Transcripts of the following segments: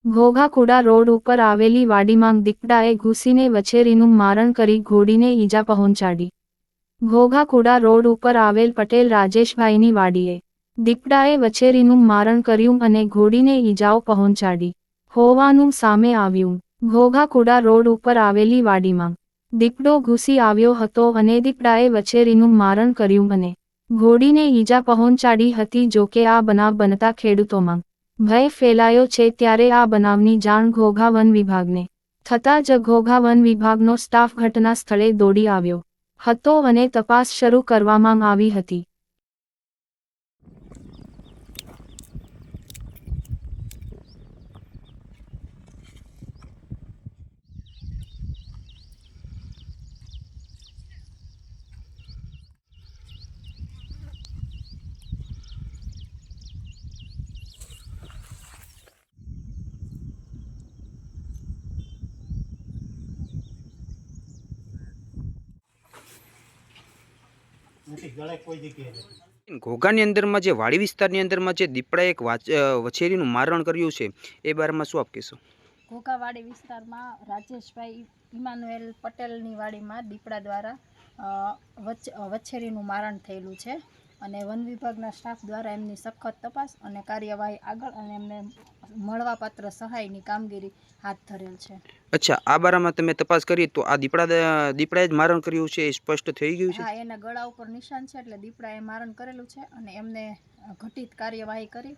ઘોઘાકુડા road ઉપર આવેલી વાડીમાં દીપડાએ ઘૂસીને વછેરીનું મારણ કરી ઘોડીને ઈજા પહોંચાડી. ઘોઘાકુડા રોડ ઉપર આવેલ પટેલ રાજેશભાઈની વાડીએ દીપડાએ વછેરીનું મારણ કર્યું અને ઘોડીને ઈજાઓ પહોંચાડી હોવાનું સામે આવ્યું. ઘોઘાકુડા રોડ ઉપર આવેલી વાડીમાં દીપડો ઘૂસી આવ્યો હતો અને દીપડાએ વછેરીનું મારણ કર્યું અને ઘોડીને ઈજા પહોંચાડી હતી. જોકે આ બનાવ બનતા ખેડૂતોમાં ભય ફેલાયો છે. ત્યારે આ બનાવની જાણ ઘોઘા વન વિભાગને થતાં જ ઘોઘા વન વિભાગનો સ્ટાફ ઘટના સ્થળે દોડી આવ્યો હતો અને તપાસ શરૂ કરવામાં આવી હતી. ઘોઘાની અંદરમાં જે વાડી વિસ્તારની અંદરમાં જે દીપડાએ એક વછેરીનું મારણ કર્યું છે એ બારેમાં શું આપ કહેશો? ઘોઘાવાડી વિસ્તારમાં રાજેશભાઈ ઇમાનુએલ પટેલની વાડીમાં દીપડા દ્વારા વછેરીનું મારણ થયેલું છે અને વન વિભાગના સ્ટાફ દ્વારા એમની સખત તપાસ અને કાર્યવાહી આગળ અને એમને મળવાપાત્ર સહાયની કામગીરી હાથ ધરેલ છે. અચ્છા, આ બારામાં તમે તપાસ કરી તો આ દીપડાએ જ મારણ કર્યું છે એ સ્પષ્ટ થઈ ગયું છે? હા, એના ગળા ઉપર નિશાન છે એટલે દીપડાએ મારણ કરેલું છે અને એમને ઘટિત કાર્યવાહી કરી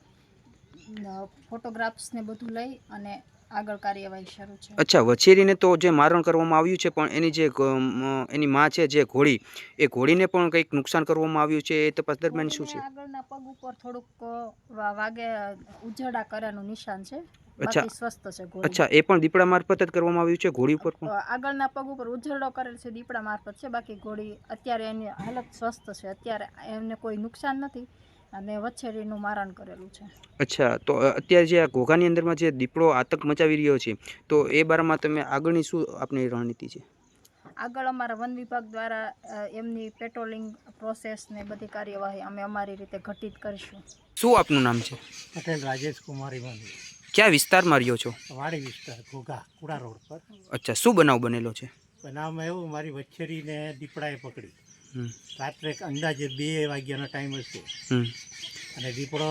ફોટોગ્રાફ્સને બધું લઈ અને આગળ કાર્યવાહી શરૂ છે. અચ્છા, વછેરીને તો જે મારણ કરવામાં આવ્યું છે પણ એની માં છે જે ઘોડી, એ ઘોડીને પણ કંઈક નુકસાન કરવામાં આવ્યું છે એ તપાસ દરમિયાન શું છે? આગળના પગ ઉપર થોડુંક વાગે ઉજડા કર્યાનું નિશાન છે. અચ્છા, બાકી સ્વસ્થ છે ઘોડી. અચ્છા, એ પણ દીપડા મારફત જ કરવામાં આવ્યું છે? ઘોડી ઉપર પણ આગળના પગ ઉપર ઉજરડો કરેલ છે દીપડા મારફત છે. બાકી ઘોડી અત્યારે એની હાલત સ્વસ્થ છે. અત્યારે એમને કોઈ નુકસાન નથી અને વછેરીનું મારણ કરેલું છે. અચ્છા, તો અત્યારે જે આ ઘોઘાની અંદરમાં જે દીપડો આતંક મચાવી રહ્યો છે તો એ બારામાં તમે આગળની શું આપની રણનીતિ છે? આગળ અમારા વન વિભાગ દ્વારા એમની પેટ્રોલિંગ પ્રોસેસ ને બધી કાર્યવાહી અમે અમારી રીતે ઘટિત કરીશું. શું આપનું નામ છે? પટેલ રાજેશ કુમારી વાંધી. ક્યાં વિસ્તારમાં રહ્યો છો? વાડી વિસ્તાર, ઘોઘાકુડા રોડ પર. અચ્છા, શું બનાવ બનેલો છે? બનાવમાં એવું, મારી વછેરીને દીપડાએ પકડી. રાત્રે અંદાજે 2 વાગ્યાનો ટાઈમ હશે અને દીપડો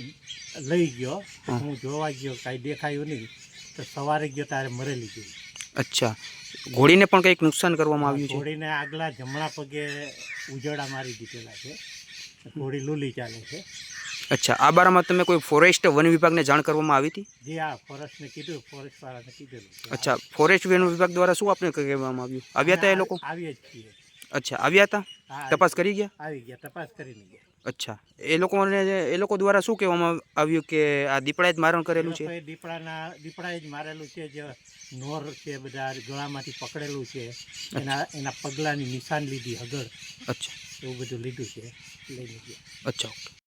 લઈ ગયો. હું જોવા ગયો, કાંઈ દેખાયું નહીં તો સવારે ગયો ત્યારે મરેલી ગઈ. અચ્છા, ઘોડીને પણ કંઈક નુકસાન કરવામાં આવ્યું છે? ઘોડીને આગલા જમણા પગે ઉજડા મારી દીધેલા છે. ઘોડી લૂલી ચાલે છે. અચ્છા, આ બારામાં તમે કોઈ ફોરેસ્ટ વન વિભાગને જાણ કરવામાં આવી હતી? જે આ ફોરેસ્ટને કીધું, ફોરેસ્ટવાળાને કીધેલું. અચ્છા, ફોરેસ્ટ વન વિભાગ દ્વારા શું આપને કહેવામાં આવ્યું? આવ્યા હતા એ લોકો? આવીએ જ છીએ. અચ્છા, આવ્યા હતા? તપાસ કરી ગયા? આવી ગયા, તપાસ કરીને ગયા. અચ્છા, એ લોકો દ્વારા શું કહેવામાં આવ્યું કે આ દીપડાએ જ મારણ કરેલું છે? દીપડાએ જ મારેલું છે. જે નોર છે બધા ગળામાંથી પકડેલું છે, એના પગલાંની નિશાન લીધી, હગર. અચ્છા, એવું બધું લીધું છે, લઈને ગયા. અચ્છા, ઓકે.